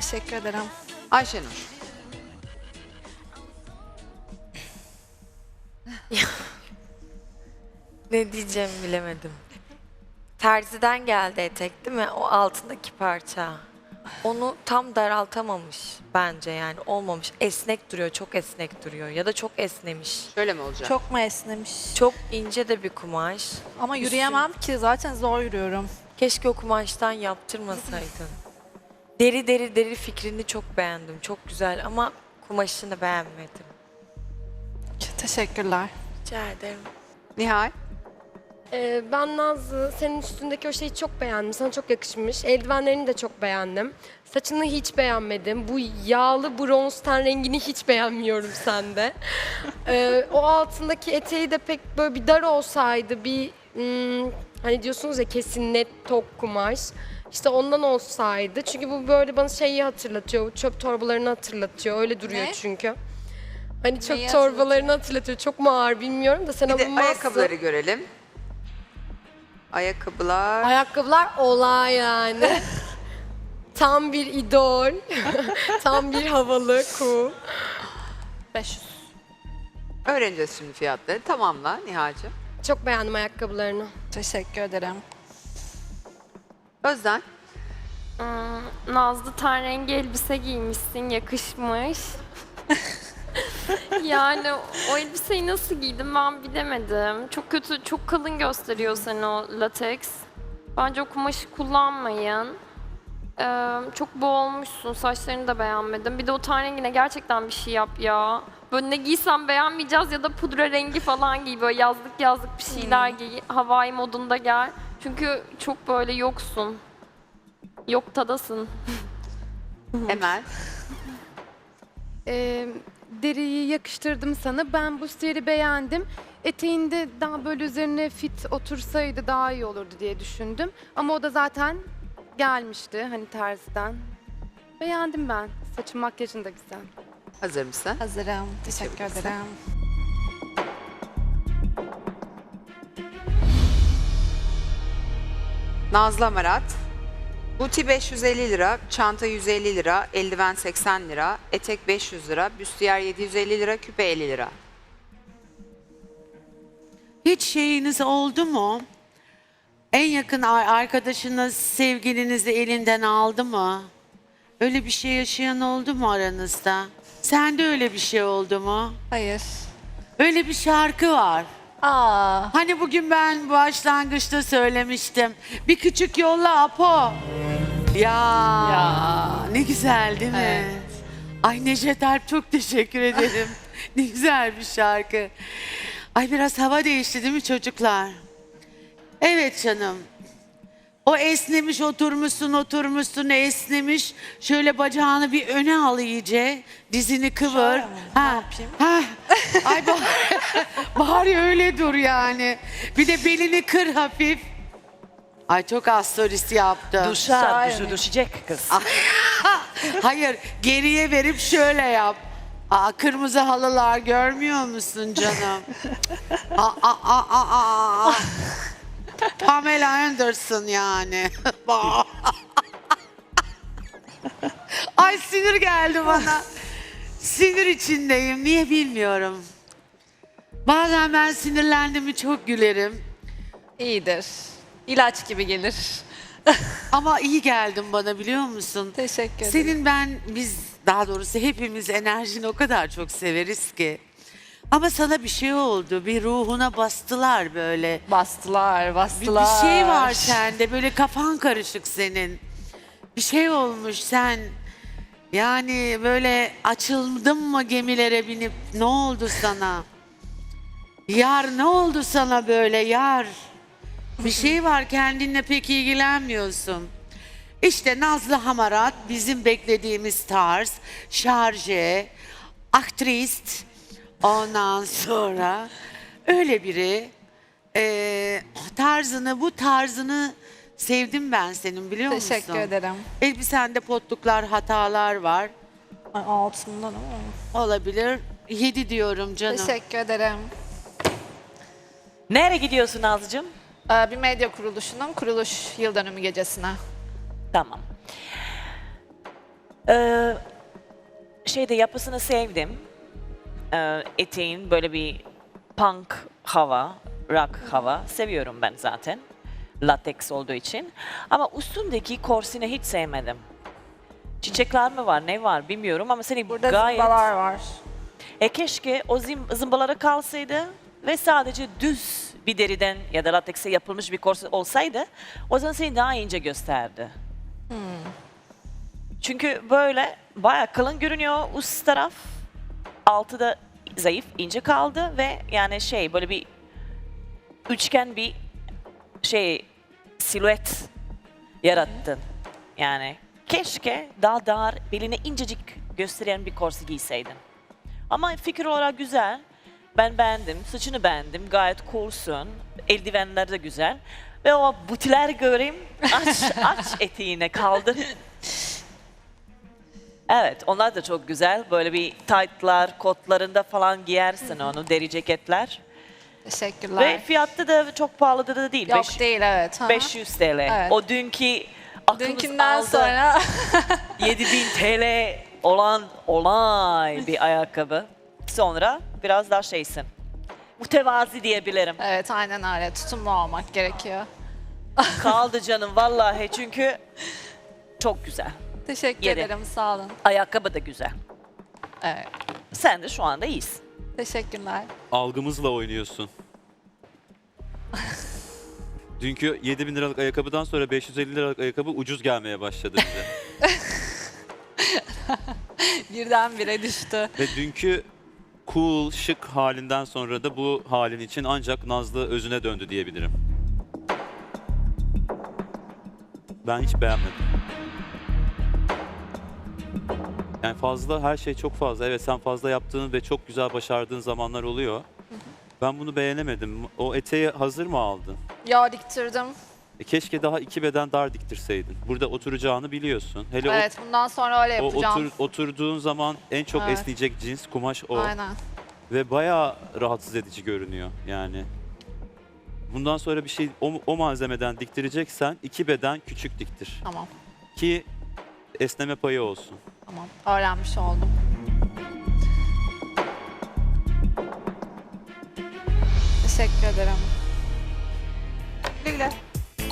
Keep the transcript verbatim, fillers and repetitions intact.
Teşekkür ederim. Ayşenur. Ne diyeceğimi bilemedim. Terziden geldi etek değil mi? O altındaki parça. Onu tam daraltamamış bence yani olmamış. Esnek duruyor, çok esnek duruyor ya da çok esnemiş. Şöyle mi olacak? Çok mu esnemiş? Çok ince de bir kumaş. Ama yürüyemem ki zaten zor yürüyorum. Keşke o kumaştan yaptırmasaydın. Deri deri deri fikrini çok beğendim. Çok güzel ama kumaşını beğenmedim. Teşekkürler. Rica ederim. Nihal. Ee, ben Nazlı, senin üstündeki o şeyi çok beğendim. Sana çok yakışmış. Eldivenlerini de çok beğendim. Saçını hiç beğenmedim. Bu yağlı bronz ten rengini hiç beğenmiyorum sende. Ee, o altındaki eteği de pek böyle bir dar olsaydı, bir hmm, hani diyorsunuz ya kesin net tok kumaş. İşte ondan olsaydı. Çünkü bu böyle bana şeyi hatırlatıyor. Çöp torbalarını hatırlatıyor. Öyle duruyor Ne? çünkü. Hani çöp Neyi torbalarını hatırlatıyor. Çok mu ağır bilmiyorum da sen Bir de alınmazsın. ayakkabıları görelim. Ayakkabılar. Ayakkabılar olay yani. Tam bir idol. Tam bir havalı, cool. beş yüz. Öğreneceğiz şimdi fiyatları. Tamamla Nihal'cığım. Çok beğendim ayakkabılarını. Teşekkür ederim. Özden. Hmm, Nazlı ten rengi elbise giymişsin, yakışmış. Yani o elbiseyi nasıl giydim ben bilemedim. Çok kötü, çok kalın gösteriyor seni o lateks. Bence o kumaşı kullanmayın. Ee, çok boğulmuşsun, saçlarını da beğenmedim. Bir de o ten rengine gerçekten bir şey yap ya. Böyle ne giysem beğenmeyeceğiz ya da pudra rengi falan giy. Böyle yazlık yazlık bir şeyler giy. Havai modunda gel. Çünkü çok böyle yoksun. Yok tadasın. Emel. Ee, deriyi yakıştırdım sana. Ben bu stili beğendim. Eteğinde daha böyle üzerine fit otursaydı daha iyi olurdu diye düşündüm. Ama o da zaten gelmişti hani terziden. Beğendim ben. Saçın makyajın da güzel. Hazır mısın? Hazırım. Teşekkür Geçebilirsin. ederim. Nazlı Amarat. Buti beş yüz elli lira, çanta yüz elli lira, eldiven seksen lira, etek beş yüz lira, büstiyer yedi yüz elli lira, küpe elli lira. Hiç şeyiniz oldu mu? En yakın ar- arkadaşınız sevgilinizi elinden aldı mı? Öyle bir şey yaşayan oldu mu aranızda? Sende öyle bir şey oldu mu? Hayır. Öyle bir şarkı var. Aa, Hani bugün ben başlangıçta söylemiştim. Bir küçük yolla Apo. Ya, Ya. ne güzel değil mi? Evet. Ay Neşet Alp çok teşekkür ederim. Ne güzel bir şarkı. Ay biraz hava değişti değil mi çocuklar? Evet canım. O esnemiş oturmuşsun oturmuşsun esnemiş. Şöyle bacağını bir öne al iyice. Dizini kıvır. Şöyle mi? Ne yapayım? Ha. Ay bari, bari öyle dur yani. Bir de belini kır hafif. Ay çok az solist yaptı. Duşa, Şair duşu mi? düşecek kız. Hayır geriye verip şöyle yap. Aa, kırmızı halılar görmüyor musun canım? aa, aa, aa, aa, aa. Pamela Anderson yani. Ay sinir geldi bana. Sinir içindeyim. Niye bilmiyorum. Bazen ben sinirlendim mi çok gülerim. iyidir. İlaç gibi gelir. Ama iyi geldin bana biliyor musun? Teşekkür ederim. Senin ben biz daha doğrusu hepimiz enerjini o kadar çok severiz ki. Ama sana bir şey oldu. Bir ruhuna bastılar böyle. Bastılar, Bir, bastılar. bir şey var sende. Böyle kafan karışık senin. Bir şey olmuş sen. Yani böyle açıldın mı gemilere binip ne oldu sana? Yar ne oldu sana böyle yar? Bir şey var kendinle pek ilgilenmiyorsun. İşte Nazlı Hamarat bizim beklediğimiz tarz, şarje, aktrist, ondan sonra öyle biri. Ee, tarzını, bu tarzını sevdim ben senin biliyor musun? Teşekkür ederim. Elbisende potluklar, hatalar var. Ay, altından ama. Olabilir. Yedi diyorum canım. Teşekkür ederim. Nereye gidiyorsun Nazlıcığım? Ee, bir medya kuruluşunun kuruluş yıl dönümü gecesine. Tamam. Ee, şeyde yapısını sevdim. Ee, eteğin böyle bir punk hava, rock hava seviyorum ben zaten. Lateks olduğu için. Ama üstündeki korsini hiç sevmedim. Çiçekler mi var, ne var bilmiyorum ama seni Burada gayet... zımbalar var. E keşke o zim, zımbalara kalsaydı ve sadece düz bir deriden ya da latekse yapılmış bir korse olsaydı o zaman seni daha ince gösterdi. Çünkü böyle bayağı kalın görünüyor üst taraf. Altı da zayıf, ince kaldı ve yani şey böyle bir üçgen bir şey silüet yarattın. Yani keşke daha dar, beline incecik gösteren bir korse giyseydin. Ama fikir olarak güzel. Ben beğendim, saçını beğendim, gayet coolsun. Eldivenler de güzel. Ve o butiler göreyim, aç, aç eteğine kaldır. Evet, onlar da çok güzel. Böyle bir tight'lar, kotlarında falan giyersin onu, deri ceketler. Teşekkürler. Ve fiyatta da çok pahalı da değil. Yok Beş- değil evet. Hı hı. beş yüz T L. Evet. O dünkü aklımız Dünkünden aldı. sonra yedi bin T L olan olay bir ayakkabı. Sonra biraz daha şeysin. Mütevazi diyebilirim. evet aynen öyle tutumlu olmak gerekiyor. Kaldı canım vallahi çünkü çok güzel. Teşekkür Yedi. ederim sağ olun. Ayakkabı da güzel. Evet. Sen de şu anda iyisin. Teşekkürler. Algımızla oynuyorsun. Dünkü yedi bin liralık ayakkabıdan sonra beş yüz elli liralık ayakkabı ucuz gelmeye başladı bize. Birdenbire düştü. Ve dünkü cool, şık halinden sonra da bu halin için ancak Nazlı özüne döndü diyebilirim. Ben hiç beğenmedim. Yani fazla, her şey çok fazla. Evet sen fazla yaptığın ve çok güzel başardığın zamanlar oluyor. Ben bunu beğenemedim. O eteği hazır mı aldın? Yo diktirdim. E keşke daha iki beden dar diktirseydin. Burada oturacağını biliyorsun. Hele o- Evet bundan sonra öyle o, yapacağım. otur, oturduğun zaman en çok Evet. esneyecek cins kumaş o. Aynen. Ve bayağı rahatsız edici görünüyor yani. Bundan sonra bir şey o, o malzemeden diktireceksen iki beden küçük diktir. Tamam. Ki esneme payı olsun. Tamam. Öğrenmiş oldum. Teşekkür ederim. Güle güle.